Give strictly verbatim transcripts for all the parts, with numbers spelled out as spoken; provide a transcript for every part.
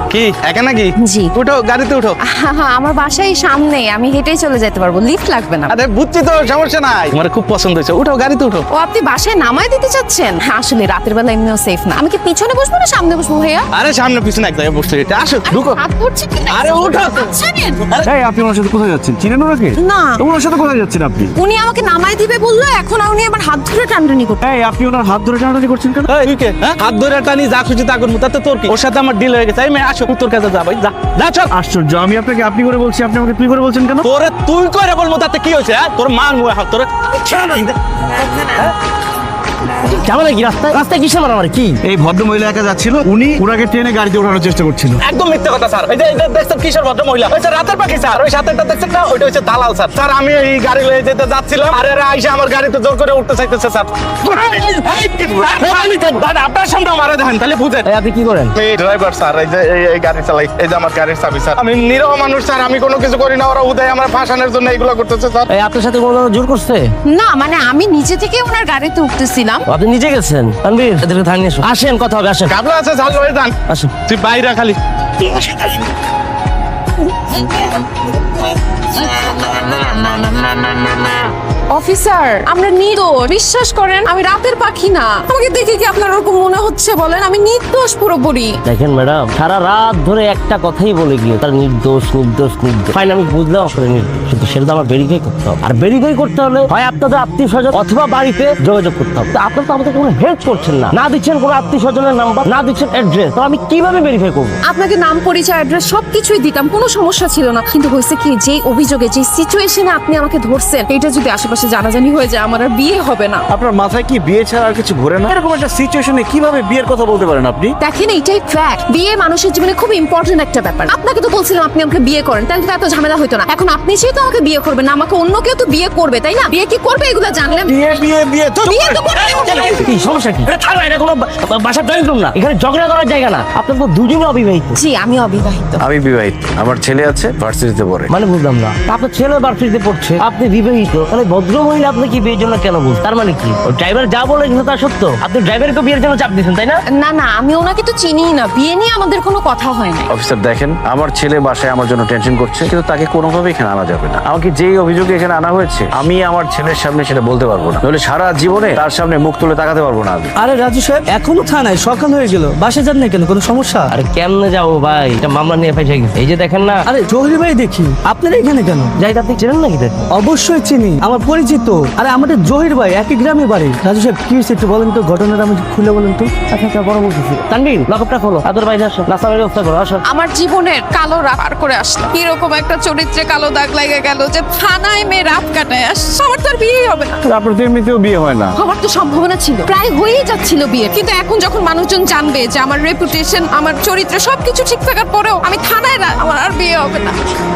কি একা নাকি? জি। উঠো, গাড়িতে উঠো। আমার বাসায় সামনে, আমি হেঁটেই চলে যেতে পারবো, লিফট লাগবে না। আরে বুঝছি তো, সমস্যা নাই। আমার খুব পছন্দ হয়েছে, উঠো, গাড়িতে উঠো। ও আপনি বাসায় নামায় দিতে চাচ্ছেন? আসলে রাতের বেলা এমনিও সেফ না। আমি কি পিছনে বসবো না সামনে বসবো ভাইয়া? আরে সামনে পিছনে এক জায়গায় বসতে এটা আসো, ঢুকো। হাত ধরছে কি? আরে উঠো। ছাড়েন। এই আপনি ওনার সাথে কোথায় যাচ্ছেন? চিনেন ওনাকে? না। তো ওনার সাথে কোথায় যাচ্ছেন আপনি? উনি আমাকে নামায় দিবে বললো, এখন উনি আমার হাত ধরে টানটানি করতে। এই আপনি ওনার হাত ধরে টানাটানি করছেন কেন? এই, তুই কে? হ্যাঁ? হাত ধরে টানি যা খুশি তা করবো, তাতে তোর কি? ওর সাথে আমার ডিল হয়ে গেছে। এই মেয়ে আসো, তোর কাছে যা ভাই, যা যা চল। আশ্চর্য, আমি আপনাকে আপনি করে বলছি, আপনি আমাকে তুই করে বলছেন কেন? তোরে তুই করে বলবো, তাতে কি হয়েছে? হ্যাঁ? তোর মান মুয়ে হাত তোরে কেমন কি রাস্তায় রাস্তায় কিসে মারামারি কি? এই ভদ্র মহিলা একা যাচ্ছিল, উনি ওনাকে ট্রেনে গাড়িতে ওঠানোর চেষ্টা করছিল। একদম মিথ্যা কথা স্যার। এই যে এটা দেখছেন কিশোর ভদ্র মহিলা, ওই স্যার রাতের পাখি স্যার। ওই সাথেটা দেখছেন না, ওইটা হচ্ছে দালাল স্যার। স্যার আমি এই গাড়ি লয়ে যেতে যাচ্ছিলাম, আর এরা আইসা আমার গাড়িতে জোর করে উঠতে চাইতেছে স্যার। দাদা আপনার সামনে মারা দেখেন, তাহলে বুঝেন। এই আপনি কি করেন? এই ড্রাইভার স্যার, এই যে এই এই গাড়ি চালাই, এই যে আমার গাড়ির চাবি স্যার। আমি নিরহ মানুষ স্যার, আমি কোনো কিছু করি না। ওরা উদয় আমার ফাঁসানোর জন্য এইগুলো করতেছে স্যার। এই আপনার সাথে কোনো জোর করছে? না মানে আমি নিজে থেকে ওনার গাড়িতে উঠতেছিলাম। আপনি নিজে গেছেন? তানভীর এদেরকে থানিয়ে এসো। আসেন, কথা হবে, আসেন। গাবলা আছে ঝাল হয়ে যান। আসেন। তুই বাইরে খালি। অফিসার, আমরা নির্দোষ, বিশ্বাস করেন আমি রাতের পাখি না। আমাকে দেখে কি আপনার ওরকম মনে হচ্ছে বলেন? আমি নির্দোষ পুরোপুরি। দেখেন ম্যাডাম, সারা রাত ধরে একটা কথাই বলে গিয়ে তার নির্দোষ নির্দোষ নির্দোষ। ফাইন, আমি বুঝলাম আসলে নির্দোষ, কিন্তু সেটা তো আমার ভেরিফাই করতে হবে। আর ভেরিফাই করতে হলে হয় আপনাদের আত্মীয় স্বজন অথবা বাড়িতে যোগাযোগ করতে হবে। তো আপনারা তো আমাদের কোনো হেল্প করছেন না, না দিচ্ছেন কোনো আত্মীয় স্বজনের নাম্বার, না দিচ্ছেন অ্যাড্রেস। তো আমি কিভাবে ভেরিফাই করবো? আপনাকে নাম পরিচয় অ্যাড্রেস সবকিছুই দিতাম, কোনো সমস্যা ছিল না। কিন্তু হয়েছে কি, যে অভিযোগে যে সিচুয়েশনে আপনি আমাকে ধরছেন, এটা যদি আশেপাশে জানাজানি হয়ে যায়, আমার আর বিয়ে হবে না। আপনার মাথায় কি বিয়ে ছাড়া আর কিছু ঘোরে না? এরকম একটা সিচুয়েশনে কিভাবে বিয়ের কথা বলতে পারেন আপনি? দেখেন, এইটাই ফ্যাক্ট। বিয়ে মানুষের জীবনে খুব ইম্পর্টেন্ট একটা ব্যাপার। আপনাকে তো বলছিলাম আপনি আমাকে বিয়ে করেন, তাহলে তো এত ঝামেলা হতো না। এখন আপনি যেহেতু আমাকে বিয়ে করবেন না, আমাকে অন্য কেউ তো বিয়ে করবে, তাই না? বিয়ে কি করবে এগুলো জানলেন? বিয়ে বিয়ে বিয়ে তো বিয়ে তো করবে। কি সমস্যা কি? এটা থানা, এটা কোনো বা- বাসার ড্রয়িং রুম না, এখানে ঝগড়া করার জায়গা না। আপনার তো দুজনে অবিবাহিত। জি, আমি অবিবাহিত। আমি বিবাহিত, আমার ছেলে আছে, ভার্সিটিতে পড়ে। মানে বুঝলাম না, আপনার ছেলে ভার্সিটিতে পড়ছে, আপনি বিবাহিত, তাহলে ভদ্র মহিলা আপনি কি বিয়ের জন্য কেন বলছেন? তার মানে কি ড্রাইভার যা বলে গেছে তা সত্য? আপনি ড্রাইভারকে বিয়ের জন্য চাপ দিয়েছেন, তাই না? না না, আমি ওনাকে তো চিনিই না। বিয়ে নিয়ে আমাদের কোনো কথা হয় না। অফিসার দেখেন, আমার ছেলে বাসায় আমার জন্য টেনশন করছে, কিন্তু তাকে কোনোভাবে এখানে আনা যাবে না। আমাকে যেই অভিযোগে এখানে আনা হয়েছে, আমি আমার ছেলের সামনে সেটা বলতে পারবো না, নইলে সারা জীবনে তার সামনে মুখ তুলে তাকাতে পারবো না আমি। আরে রাজু সাহেব, এখনো থানায়, সকাল হয়ে গেল, বাসে যান না কেন? কোনো সমস্যা? আরে কেমনে যাবো ভাই, এটা মামলা নিয়ে ফেসে গেছে। এই যে দেখেন না। আরে জহির ভাই, দেখি আপনারা এখানে কেন? যাই, আপনি চেনেন নাকি? দেখেন, অবশ্যই চিনি, আমার পরিচিত। আরে আমাদের জহির ভাই একই গ্রামে বাড়ি। রাজু সাহেব কি হয়েছে একটু বলেন তো, ঘটনাটা আমি খুলে বলেন তো। আচ্ছা আচ্ছা, বড় বলতেছি। তানভীর, লকআপটা খোলো, আদর বাইরে আসো, নাস্তার ব্যবস্থা করো, আসো। আমার জীবনের কালো রাত পার করে আসলাম। এরকম একটা চরিত্রে কালো দাগ লাগে গেল যে থানায় মেয়ে রাত কাটায় আসছে। আমার তো আর বিয়ে হবে না। আপনার তো এমনিতেও বিয়ে হয় না। আমার তো সম্ভাবনা ছিল, প্রায় হয়েই যাচ্ছিল বিয়ে। কিন্তু এখন যখন মানুষজন জানবে যে আমার রেপুটেশন, আমার চরিত্র সবকিছু ঠিক থাকার পরেও আমি থানায় রা- আমার আর বিয়ে হবে না।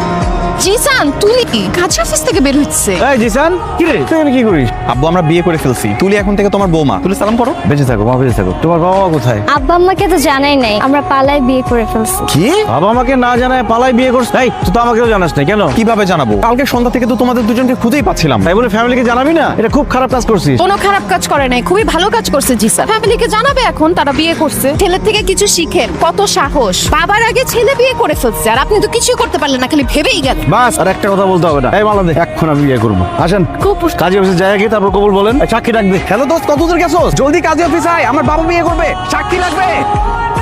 জিসান, তুই কাছে অফিস থেকে বের হচ্ছে। এই জিসান, কি রে তুই কি করিস? আব্বু, আমরা বিয়ে করে ফেলছি। তুলি এখন থেকে তোমার বৌমা। তুলি সালাম করো। বেঁচে থাকো মা, বেঁচে থাকো। তোমার বাবা মা কোথায়? আব্বা আম্মাকে তো জানাই নাই, আমরা পালায় বিয়ে করে ফেলছি। কি? বাবা আমাকে না জানায় পালাই বিয়ে করছ? এই তুই তো আমাকেও জানাস না কেন? কিভাবে জানাবো? কালকে সন্ধ্যা থেকে তো তোমাদের দুজনকে খুঁজেই পাচ্ছিলাম। তাই বলে ফ্যামিলিকে জানাবি না? এটা খুব খারাপ কাজ করছিস। কোনো খারাপ কাজ করে নাই, খুবই ভালো কাজ করছে জিসান। ফ্যামিলিকে জানাবে এখন তারা বিয়ে করছে। ছেলের থেকে কিছু শিখেন, কত সাহস। বাবার আগে ছেলে বিয়ে করে ফেলছে, আর আপনি তো কিছুই করতে পারলেন না, খালি ভেবেই গেলেন। বাস, আর একটা কথা বলতে হবে না। এই মালা দে, এখন আমি বিয়ে করবো। আসেন কাজী অফিসে যাই আগে, তারপর কবুল বলেন। এই সাক্ষী ডাক দে। হ্যালো দোস্ত, কত দূর গেছোস? জলদি কাজী অফিস আয়, আমার বাবা বিয়ে করবে, সাক্ষী লাগবে।